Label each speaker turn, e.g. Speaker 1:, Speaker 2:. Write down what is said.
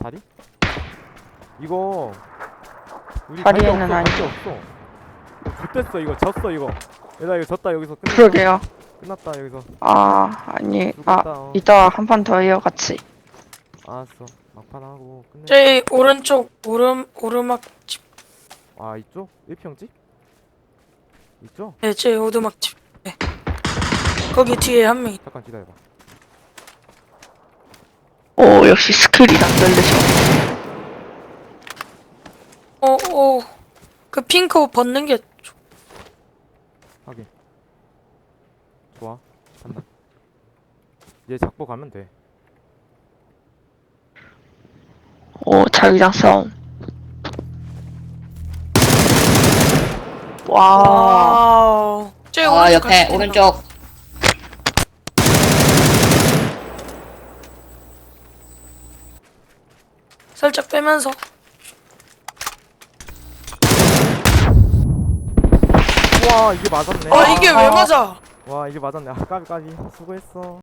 Speaker 1: 자리? 이거 우리
Speaker 2: 자리에는
Speaker 1: 갈데
Speaker 2: 아니고.
Speaker 1: 없어. 좋댔어 이거. 졌어 이거. 얘들아 이거 졌다. 여기서 끝났다.
Speaker 2: 그러게요.
Speaker 1: 끝났다 여기서.
Speaker 2: 아니,
Speaker 1: 죽었다.
Speaker 2: 이따 한 판 더 해요, 같이.
Speaker 1: 알았어. 막판 하고 끝내.
Speaker 3: 저희 오른쪽 오르막집.
Speaker 1: 아 이쪽? 1평집? 이쪽?
Speaker 3: 네, 저희 오두막집. 네. 거기 뒤에 한 명.
Speaker 1: 잠깐 기다려봐.
Speaker 2: 오, 역시 스킬이 남다르셔.
Speaker 3: 그 핑크 옷 벗는 게
Speaker 1: 확인. 좋아. 간다. 얘 잡고 가면 돼.
Speaker 2: 오, 자기장 싸움. 와,
Speaker 3: 와우. 저희 오른쪽
Speaker 4: 옆에
Speaker 3: 같이 뛴다.
Speaker 4: 오른쪽.
Speaker 3: 살짝 빼면서.
Speaker 1: 와 이게 맞았네.
Speaker 3: 이게 왜 맞아?
Speaker 1: 와 이게 맞았네. 아 까비 수고했어.